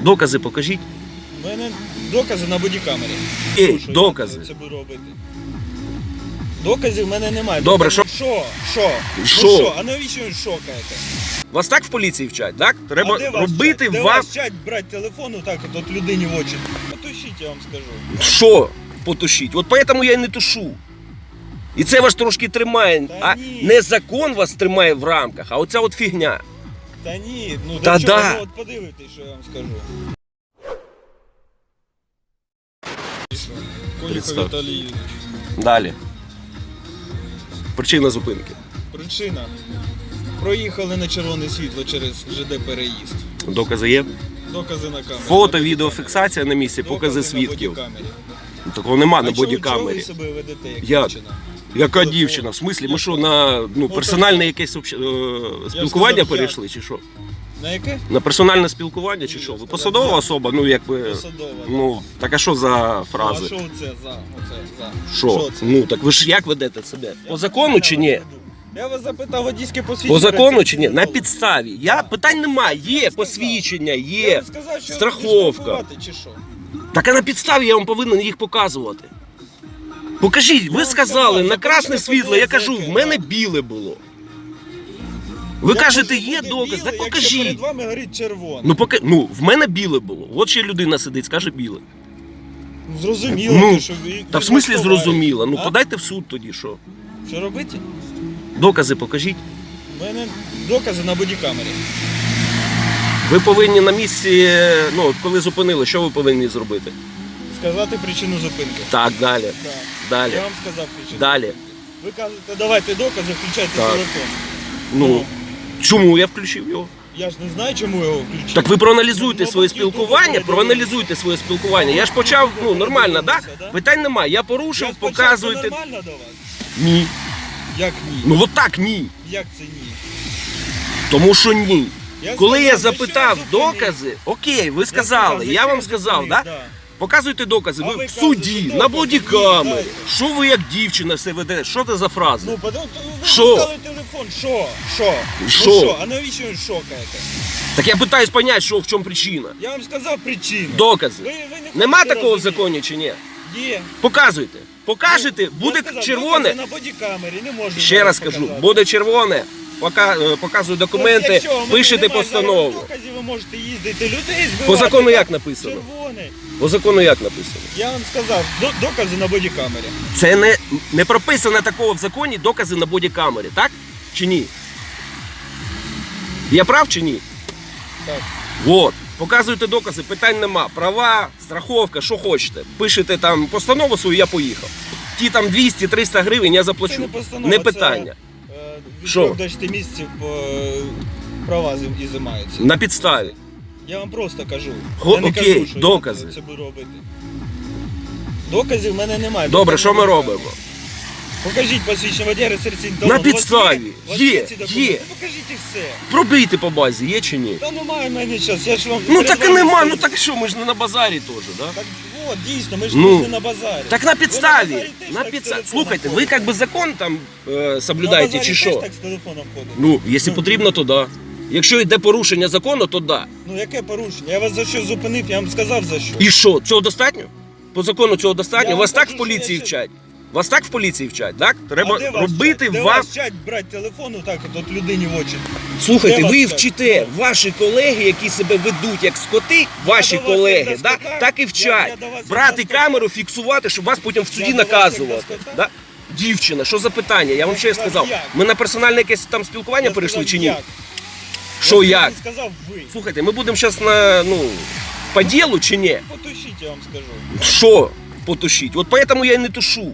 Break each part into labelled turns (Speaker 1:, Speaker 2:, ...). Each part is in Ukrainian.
Speaker 1: Докази покажіть.
Speaker 2: У мене докази на бодікамері.
Speaker 1: Докази.
Speaker 2: Я це буду робити. Доказів в мене немає.
Speaker 1: Добре,
Speaker 2: Що?
Speaker 1: Що?
Speaker 2: Що? А навіщо ви шокаєте?
Speaker 1: Вас так в поліції вчать, так? Треба
Speaker 2: А де вас
Speaker 1: робити
Speaker 2: вчать? Де
Speaker 1: вам...
Speaker 2: вас вчать брати телефон отак от людині в очі? Потушіть, я вам скажу.
Speaker 1: Що потушіть? От поэтому я й не тушу. І це вас трошки тримає,
Speaker 2: Та ні.
Speaker 1: не закон вас тримає в рамках, а оця от фігня.
Speaker 2: Та ні, ну
Speaker 1: Та
Speaker 2: до чого?
Speaker 1: да.
Speaker 2: Ну, от подивитись, що я вам скажу. Конюхов
Speaker 1: Представ.
Speaker 2: Віталій Юрійович.
Speaker 1: Далі. Причина зупинки.
Speaker 2: Причина. Проїхали на червоне світло через ЖД переїзд.
Speaker 1: Докази є?
Speaker 2: Докази на камері.
Speaker 1: Фото, відеофіксація на місці, покази свідків. Такого нема на бодікамері.
Speaker 2: Чого ви себе ведете, як
Speaker 1: Як?
Speaker 2: дівчина?
Speaker 1: Яка дівчина? В смислі, ми що, на персональне якесь спілкування
Speaker 2: сказав,
Speaker 1: перейшли, чи що?
Speaker 2: На яке?
Speaker 1: На персональне спілкування, чи що? Ви посадова особа? Ну, якби...
Speaker 2: Посадова.
Speaker 1: Ну, так а що за
Speaker 2: А
Speaker 1: фрази?
Speaker 2: що це за?
Speaker 1: Що?
Speaker 2: це?
Speaker 1: Ну, так ви ж як ведете себе? По закону чи ні?
Speaker 2: Я вас запитав водійське посвідчення.
Speaker 1: По закону чи ні? На
Speaker 2: підставі.
Speaker 1: підставі. Питань немає. Є посвідчення,
Speaker 2: Я
Speaker 1: є
Speaker 2: вам сказав, що
Speaker 1: страховка.
Speaker 2: штрафувати, чи що?
Speaker 1: Так а на підставі я вам повинен їх показувати. Покажіть, ви сказали на красне світло, я кажу, в мене біле було. Ви
Speaker 2: Я
Speaker 1: кажете,
Speaker 2: кажу,
Speaker 1: є
Speaker 2: буде
Speaker 1: доказ,
Speaker 2: біле,
Speaker 1: так
Speaker 2: якщо
Speaker 1: покажіть.
Speaker 2: перед вами горить червоне.
Speaker 1: Ну, в мене біле було. От ще людина сидить, скаже біле.
Speaker 2: Зрозуміло,
Speaker 1: Ну,
Speaker 2: що ви...
Speaker 1: та в смислі
Speaker 2: ви
Speaker 1: зрозуміло. Ну
Speaker 2: а?
Speaker 1: подайте в суд тоді, що?
Speaker 2: Що робити?
Speaker 1: Докази покажіть.
Speaker 2: У мене докази на бодікамері.
Speaker 1: Ви повинні на місці, ну, коли зупинили, що ви повинні зробити?
Speaker 2: Сказати причину зупинки.
Speaker 1: Так, далі.
Speaker 2: Так.
Speaker 1: Далі.
Speaker 2: Я вам сказав причину.
Speaker 1: Далі.
Speaker 2: Ви кажете, давайте докази, включайте
Speaker 1: Так.
Speaker 2: телефон.
Speaker 1: Ну, чому я включив його?
Speaker 2: Я ж не знаю, чому його включив.
Speaker 1: Так ви проаналізуйте
Speaker 2: Ну,
Speaker 1: своє
Speaker 2: мабуть, YouTube
Speaker 1: спілкування,
Speaker 2: передивився.
Speaker 1: проаналізуйте своє спілкування. Я ж почав, ну, нормально, так?
Speaker 2: передивився, да?
Speaker 1: Питань немає. Я порушив,
Speaker 2: Я спочатку
Speaker 1: показуйте.
Speaker 2: нормально до вас?
Speaker 1: Ні.
Speaker 2: Як ні?
Speaker 1: Ну, от так ні.
Speaker 2: Як це ні?
Speaker 1: Тому що ні.
Speaker 2: Я
Speaker 1: Коли я
Speaker 2: сказав, за
Speaker 1: запитав
Speaker 2: що я зупинив?
Speaker 1: докази, окей, ви сказали,
Speaker 2: за
Speaker 1: я
Speaker 2: що
Speaker 1: вам
Speaker 2: я
Speaker 1: сказав,
Speaker 2: зупинив,
Speaker 1: да? Показуйте докази.
Speaker 2: А
Speaker 1: Ви
Speaker 2: ви
Speaker 1: в суді,
Speaker 2: кажете,
Speaker 1: на
Speaker 2: докази,
Speaker 1: бодікамері.
Speaker 2: ні, дайте.
Speaker 1: Що ви як дівчина все ведете? Що це за фрази?
Speaker 2: Ну, ви
Speaker 1: Що?
Speaker 2: достали телефон. Що?
Speaker 1: Що?
Speaker 2: Ну що? А навіщо ви шокаєте?
Speaker 1: Так я питаюсь поняти, що в чому причина.
Speaker 2: Я вам сказав причину.
Speaker 1: Докази.
Speaker 2: Ви не
Speaker 1: Нема
Speaker 2: хочете
Speaker 1: такого в
Speaker 2: розуміти.
Speaker 1: законі чи ні?
Speaker 2: Є.
Speaker 1: Показуйте. Покажете,
Speaker 2: Я
Speaker 1: буде
Speaker 2: сказав,
Speaker 1: червоне.
Speaker 2: докази на бодікамері, не можу
Speaker 1: Ще
Speaker 2: зараз
Speaker 1: раз кажу,
Speaker 2: показати.
Speaker 1: буде червоне, показую документи,
Speaker 2: Ось якщо у мене
Speaker 1: пишете
Speaker 2: немає
Speaker 1: постанову.
Speaker 2: зараз доказів, ви можете їздити, людей збивати.
Speaker 1: По закону як написано?
Speaker 2: Червоний.
Speaker 1: По закону як написано?
Speaker 2: Я вам сказав, докази на бодікамері.
Speaker 1: Це не прописано такого в законі докази на бодікамері, так? Чи ні? Я прав чи ні?
Speaker 2: Так.
Speaker 1: От. Показуйте докази, питань нема. Права, страховка, що хочете. Пишете там постанову свою, я поїхав. Ті там 200-300 гривень я заплачу.
Speaker 2: Це не постанова,
Speaker 1: Не питання.
Speaker 2: Від
Speaker 1: Що?
Speaker 2: 3 до 6 місяців права ізимаються.
Speaker 1: На підставі.
Speaker 2: Я вам просто кажу.
Speaker 1: Хо-
Speaker 2: Я не
Speaker 1: окей,
Speaker 2: кажу, що
Speaker 1: докази.
Speaker 2: я це буду робити. Доказів в мене немає.
Speaker 1: Добре,
Speaker 2: Доказів
Speaker 1: що ми
Speaker 2: немає.
Speaker 1: робимо?
Speaker 2: Покажіть посвідчення водія реєстраційний
Speaker 1: На
Speaker 2: талон. У вас
Speaker 1: підставі.
Speaker 2: У вас
Speaker 1: Є,
Speaker 2: ці
Speaker 1: є.
Speaker 2: документи? Покажіть і все.
Speaker 1: Пробийте по базі, є чи ні?
Speaker 2: Та немає в мене час. Я ж вам
Speaker 1: Ну так і
Speaker 2: перед вами
Speaker 1: нема,
Speaker 2: стою.
Speaker 1: ну так що, ми ж не на базарі теж, да?
Speaker 2: Так от, дійсно, ми ж
Speaker 1: Ну,
Speaker 2: не на базарі.
Speaker 1: Так на
Speaker 2: Ви
Speaker 1: підставі.
Speaker 2: базарі теж
Speaker 1: На
Speaker 2: так з
Speaker 1: підставі.
Speaker 2: телефоном
Speaker 1: Слухайте, ви
Speaker 2: ходите.
Speaker 1: як би закон там
Speaker 2: На
Speaker 1: соблюдаєте
Speaker 2: базарі
Speaker 1: чи
Speaker 2: теж
Speaker 1: що?
Speaker 2: так з телефоном ходите.
Speaker 1: Ну, якщо потрібно, то да. Якщо йде порушення закону, то да.
Speaker 2: Ну яке порушення? Я вас за що зупинив, я вам сказав за що.
Speaker 1: І що, цього достатньо? По закону цього достатньо?
Speaker 2: Я
Speaker 1: Вас
Speaker 2: вам
Speaker 1: так
Speaker 2: кажу,
Speaker 1: в поліції
Speaker 2: що я
Speaker 1: вчать? Вас так в поліції вчать, так? Треба
Speaker 2: А де вас
Speaker 1: робити
Speaker 2: вчать? Де
Speaker 1: вам...
Speaker 2: вас вчать брати телефон так от людині в очі?
Speaker 1: Слухайте,
Speaker 2: Де вас
Speaker 1: ви
Speaker 2: вчать?
Speaker 1: вчите, ваші колеги, які себе ведуть як скоти, ваші
Speaker 2: до вас
Speaker 1: колеги,
Speaker 2: як до
Speaker 1: да,
Speaker 2: скота?
Speaker 1: так і вчать.
Speaker 2: Я до вас як
Speaker 1: Брати
Speaker 2: до скота?
Speaker 1: камеру, фіксувати, щоб вас потім в суді
Speaker 2: до вас як до
Speaker 1: наказувати.
Speaker 2: скота?
Speaker 1: Да? Дівчина, що за питання? Я вам ще
Speaker 2: вас
Speaker 1: сказав.
Speaker 2: як?
Speaker 1: Ми на персональне якесь там спілкування
Speaker 2: Я
Speaker 1: перейшли
Speaker 2: сказав,
Speaker 1: чи ні?
Speaker 2: як?
Speaker 1: Що
Speaker 2: Я
Speaker 1: як?
Speaker 2: не сказав ви.
Speaker 1: Слухайте, ми будемо зараз на, по ділу чи ні?
Speaker 2: Потушіть, я вам скажу.
Speaker 1: Що потушіть? От поэтому я й не тушу.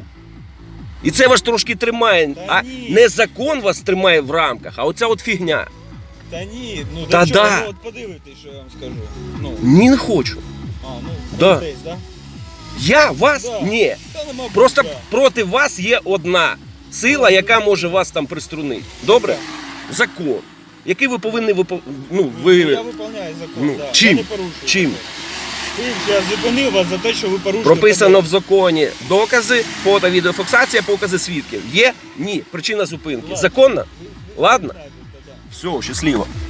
Speaker 1: І це вас трошки тримає,
Speaker 2: Та
Speaker 1: а
Speaker 2: ні.
Speaker 1: не закон вас тримає в рамках, а оця от фігня.
Speaker 2: Та ні, ну
Speaker 1: Та
Speaker 2: до чого?
Speaker 1: да.
Speaker 2: Ну, от подивитись, що я вам скажу. Ну,
Speaker 1: Ні, не хочу.
Speaker 2: ну,
Speaker 1: Да.
Speaker 2: десь, да?
Speaker 1: Я вас
Speaker 2: Да.
Speaker 1: ні.
Speaker 2: Та нема
Speaker 1: Просто
Speaker 2: бути,
Speaker 1: проти вас є одна сила, яка може вас там приструнити. Добре? Закон, який ви повинні
Speaker 2: Я виконую закон, да.
Speaker 1: чим?
Speaker 2: Я не порушую.
Speaker 1: Чим?
Speaker 2: Я зупинив вас за те, що ви порушуєте.
Speaker 1: Прописано в законі докази, фото, відеофіксація, покази свідків. Є? Ні. Причина зупинки. Законна? Ладно? Все, щасливо.